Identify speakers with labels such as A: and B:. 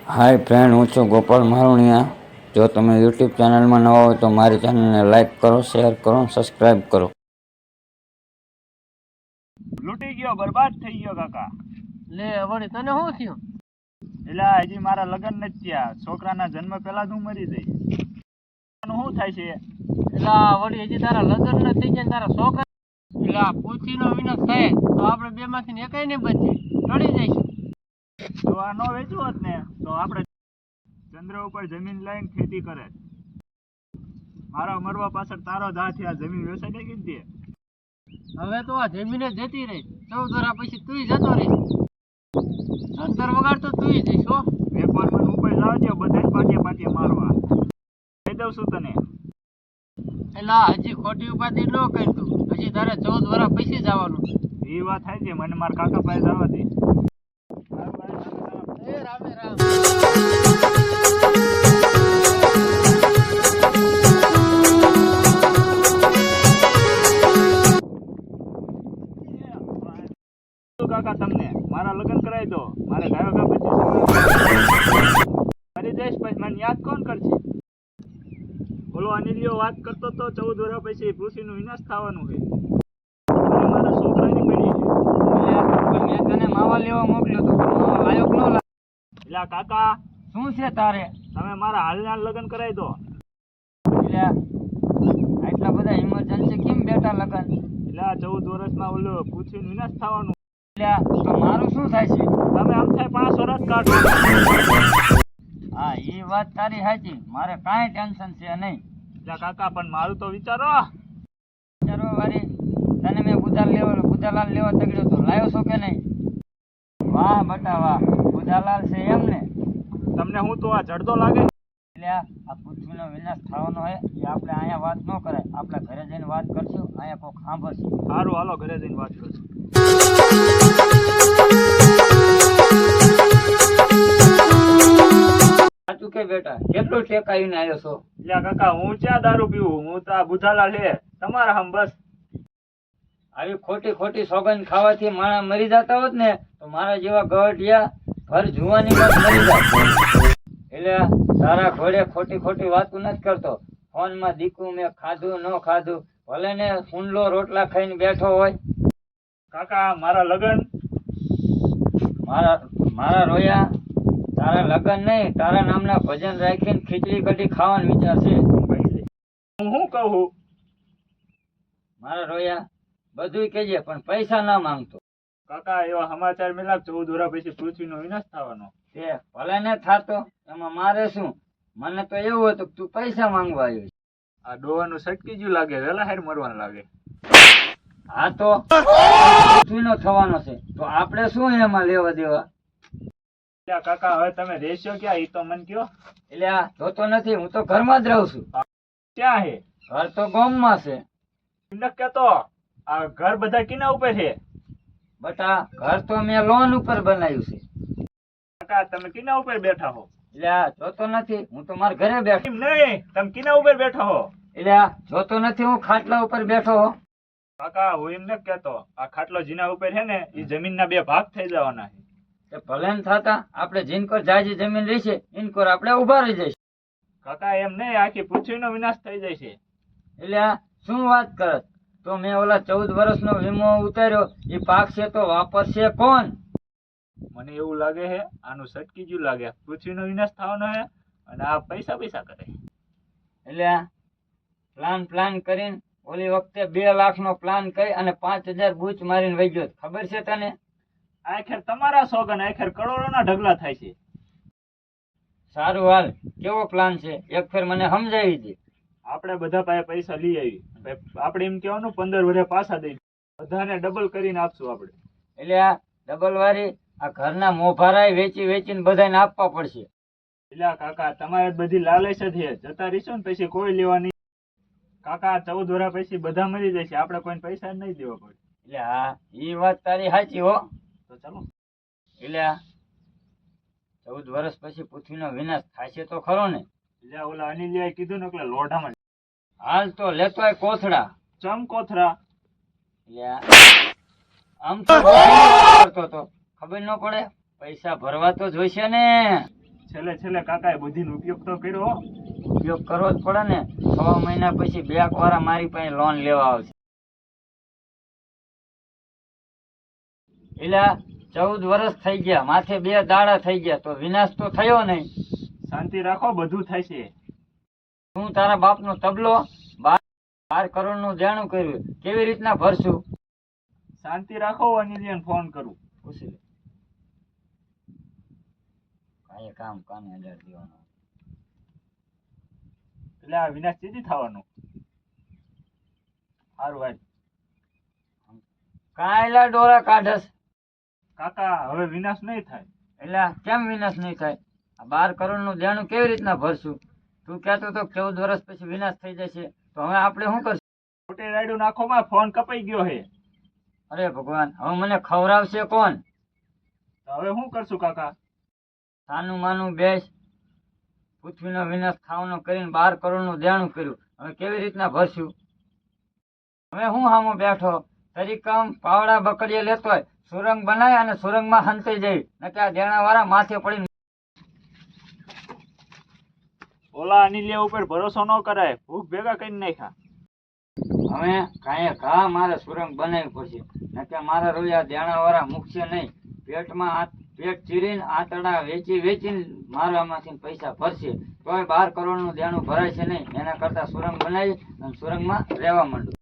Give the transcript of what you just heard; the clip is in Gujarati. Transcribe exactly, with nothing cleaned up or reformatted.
A: હાય ફ્રેન્ડ, હું છું ગોપાલ મારુણિયા. જો તમે યુટ્યુબ ચેનલમાં નવા હોય તો મારી ચેનલને લાઈક કરો, શેર કરો, સબસ્ક્રાઈબ કરો.
B: લૂટી ગયો, બરબાદ થઈ ગયો કાકા.
C: લે વળી તને શું થયું?
B: એટલે હજી મારા લગ્ન નથી થયા. છોકરાના જન્મ પહેલા જ હું મરી જઈશ. શું થાય છે?
C: એટલે વળી હજી તારા લગ્ન ન થઈ જાય તારા છોકરા એટલે પૂછીનો વિનાશ થાય તો આપણે બે માંથી એકાઈ ને બચે ટળી જઈશું.
B: તો આ નો વેચવું હોત ને તો આપણે ચંદ્ર ઉપર જમીન લઈને ખેતી કરે. મારા મરવા પાછળ તારો જ હાથ, આ જમીન વેચાઈ ગઈ ને.
C: હવે તો આ જમીને જતી રહી, ચૌદ વર્ષ પછી તું જતો રહીશ. અંતર વગાડતો તું જઈશ. હો
B: વેપાર મને ઉપર લાવ દે, બધા પાટિયા પાટિયા મારવા કહી દઉં છું તને.
C: એટલે હજી ખોટી ઉપાધિ ન કરતું, હજી તારે ચૌદ વર્ષ પછી જવાનું.
B: એ વાત થાય છે, મને મારા કાકા પાસે જવા દે.
C: એ રામે રામ.
B: કાકા તમને મારા લગ્ન કરાવી દો. મારે ગાયો પછી મરી જઈશ પછી મને યાદ કોણ કરશે? બોલો અનિલિયો વાત કરતો તો ચૌદ વર્ષ પછી પૃથ્વીનો વિનાશ થવાનું છે. મારા છોકરાની પેઢી છે.
C: મેં તને માવા લેવા મોકલ્યો તો માવા લાયક ન લાગ.
B: એટલે કાકા
C: શું છે તારે?
B: તમે મારા હાલના લગ્ન કરાવી દો.
C: એટલે આટલા બધા ઇમરજન્સી કેમ બેટા લગન?
B: એટલે આ ચૌદ વર્ષમાં ઓલો પૃથ્વીનો વિનાશ થવાનું.
C: એટલે તો મારું શું થાય છે?
B: તમે આમ થાય પાંચ વર્ષ કાઢો.
C: હા એ વાત તારી સાચી, મારે કાંઈ ટેન્શન છે નહીં.
B: એટલે કાકા પણ મારું તો વિચારો.
C: વિચારો વારી તને મેં બુધાલ લેવા બુધાલાલ લેવા તગડ્યો તો લાવ્યો છો કે નહીં? વાહ બટા વાહ, બુધાલાલ છે એમ ને?
B: તમને હું તો આ જડદો લાગે?
C: એટલે આ પૃથ્વીનો વિનાશ થવાનો હોય એ આપણે અહીંયા વાત ન કરાય, આપણે ઘરે જઈને વાત કરશું. અહીંયા કોઈ સાંભળશે.
B: સારું, હાલો ઘરે જઈને વાત કરશું.
C: સાચું કે બેટા, કેટલું ટેકાવીને આવ્યો છો?
B: એટલે કાકા હું ક્યાં દારૂ પીવું? હું તો આ બુધાલાલ છે તમારા હમ બસ.
C: આવી ખોટી ખોટી સોગંદ ખાવાથી માણસ મરી જતા હોત ને તો મારા જેવા ગવટિયા ઘર જુવાની વાત મરી જાય. એટલે તારા ઘોડે ખોટી ખોટી વાતું નથી કરતો. ફોનમાં દીકું મેં ખાધું ન ખાધું, ભલે ને ફૂંડલો રોટલા ખાઈને બેઠો હોય.
B: કાકા મારા લગ્ન
C: મારા મારા રોયા તારા લગ્ન નહીં, તારા નામના ભજન રાખીને ખીચડી કઢી ખાવાનો વિચાર છે.
B: હું શું કહું?
C: મારા રોયા બધું કહેજે પણ પૈસા ના માંગતો.
B: કાકા એવા સમાચાર મેલા ચૌદ વર્ષ પછી પૃથ્વીનો વિનાશ થવાનો.
C: તે ભલે ને થાતો, એમાં મારે શું? મને તો એવું હતું કે તું પૈસા માંગવા આવ્યો.
B: આ ડોવાનું સટકી ગયું લાગે, વેલા હેર મરવાનું લાગે.
C: હા તો પૃથ્વીનો થવાનો છે તો આપણે શું એમાં લેવા દેવા?
B: એટલે કાકા હવે તમે રહેશો ક્યાં એ તો મને કયો.
C: એટલે આ જોતો નથી, હું તો ઘરમાં જ રહું છું.
B: ક્યાં હે?
C: ઘર તો ગામમાં છે.
B: ન કેતો આ ઘર બધા કિના ઉપર છે?
C: બટા ઘર તો મેં લોન ઉપર બનાવ્યું છે.
B: કાકા તમે કિના ઉપર બેઠા હો?
C: એટલે આ જોતો નથી, હું તો મારા ઘરે બેઠો.
B: એમ નહીં, તમે કિના ઉપર બેઠા હો?
C: એટલે આ જોતો નથી, હું ખાટલા ઉપર બેઠો હો.
B: કાકા હું એમ નથી કેતો, આ ખાટલો જીના ઉપર છે ને એ જમીન ના બે ભાગ થઈ જવાના છે.
C: ભલે ને થતા આપણે જીનકોર જાજી જમીન રહી છે ઇનકોર આપણે ઉભા રહી જઈશું.
B: કાકા એમ નહીં, આખી પૃથ્વીનો વિનાશ થઈ જાય છે.
C: એટલે આ શું વાત કરત? તો મેં ઓલા ચૌદ વર્ષનો વીમો ઉતાર્યો, એ પાક છે તો વાપરશે કોણ?
B: મને એવું લાગે છે આનું સટકી ગયું લાગે, પૃથ્વીનો વિનાશ થવાનો છે અને આ પૈસા પૈસા કરે.
C: એટલે આ પ્લાન પ્લાન કરીને ઓલી વખતે બે લાખ નો પ્લાન કરી અને પાંચ હજાર બૂચ મારીને વહી ગયો. ખબર છે તને?
B: આખેર તમારા સોગન આખેર કરોડોના ઢગલા થાય છે.
C: સારું હાલ, કેવો પ્લાન છે એક ફેર મને સમજાવી દે.
B: આપણે બધા પાસે પૈસા લઈ આવી, આપણે એમ કહેવાનું પંદર વર્ષ પાછા દઈ બધાને ડબલ કરીને આપશું આપણે.
C: એટલે આ ડબલ વાળી આ ઘરના મોભારાય વેચી વેચીને બધાને આપવા પડશે.
B: એટલે કાકા તમારે બધી લાલચ જ છે, જતા રહીશું ને પછી કોઈ લેવા નહીં. કાકા ચૌદ વર્ષ પછી બધા મરી જશે, આપણે કોઈ પૈસા જ નહીં દેવા પડે.
C: એટલે હા એ વાત તારી સાચી હો.
B: તો ચાલો.
C: એટલે આ ચૌદ વર્ષ પછી પૃથ્વીનો વિનાશ થશે તો ખરો ને?
B: એટલે ઓલા અનિલિયાએ કીધું ને એટલે લોઢામાં
C: હાલ તો લેતોય કોથળા.
B: ચમ કોથરા?
C: એટલે આમ તો કરતો તો ખબર ન પડે, પૈસા ભરવા તો જોઈશે ને.
B: છેલ્લે છેલ્લે કાકાએ બુદ્ધિનો ઉપયોગ તો કર્યો હો.
C: ઉપયોગ કરવો જ પડે ને. છ મહિના પછી બેંક વાળા મારી પાસે લોન લેવા આવશે. એટલે ચૌદ વર્ષ થઈ ગયા, માથે બે દાડા થઈ ગયા, તો વિનાશ તો થયો નહીં.
B: શાંતિ રાખો, બધું થશે.
C: તું તારા બાપનો તબલો બાર બાર કરોડ નું દેણું કર્યું, કેવી રીતના ભરશું?
B: શાંતિ રાખો, અનિલને ફોન કરું.
C: પૂછી લે. કાંઈ કામ કાને હજાર દેવાનો.
B: એટલે આ વિનાશ ચીજી થવાનું. સારું ભાઈ.
C: કાંઈલા ડોરા કાઢસ.
B: કાકા હવે વિનાશ નહીં થાય.
C: એટલે કેમ વિનાશ નહીં થાય? આ બાર કરોડ નું દેણું કેવી રીતના ભરશું? તું કહેતો તો ચૌદ વર્ષ પછી વિનાશ થઈ જશે, તો હવે આપણે શું કરશું?
B: ખોટી રાયડું નાખો માં ફોન કપાઈ ગયો હે.
C: અરે ભગવાન, હવે મને ખવડાવશે કોણ?
B: તો હવે શું કરશું કાકા?
C: સાનું માનું બેસ. પૃથ્વીનો વિનાશ થવાનો કરીને બાર કરોડ નું દેણું કર્યું, હવે કેવી રીતના ભરશું? હવે હું હામો બેઠો તરીકમ પાવડા બકડીએ લેતો હોય, સુરંગ બનાય અને સુરંગમાં હંતાઈ જાય, નકે આ દેણા વાળા માથે પડીને.
B: ઓલા અનિલિયા ઉપર ભરોસો ન કરાય, ભૂખ ભેગા કરીને નાખ્યા.
C: હવે કાંઈ ઘા મારે સુરંગ બનાવવી પડશે, નકે મારા રોયા દેણા વાળા મૂકશે નહીં. પેટમાં આ પેટ ચીરીને આંતરડા વેચી વેચીને મારવામાંથી પૈસા ભરશે, તોય બાર કરોડ નું દેણું ભરાય છે નહીં. એના કરતા સુરંગ બનાવી અને સુરંગમાં રહેવા માંડું.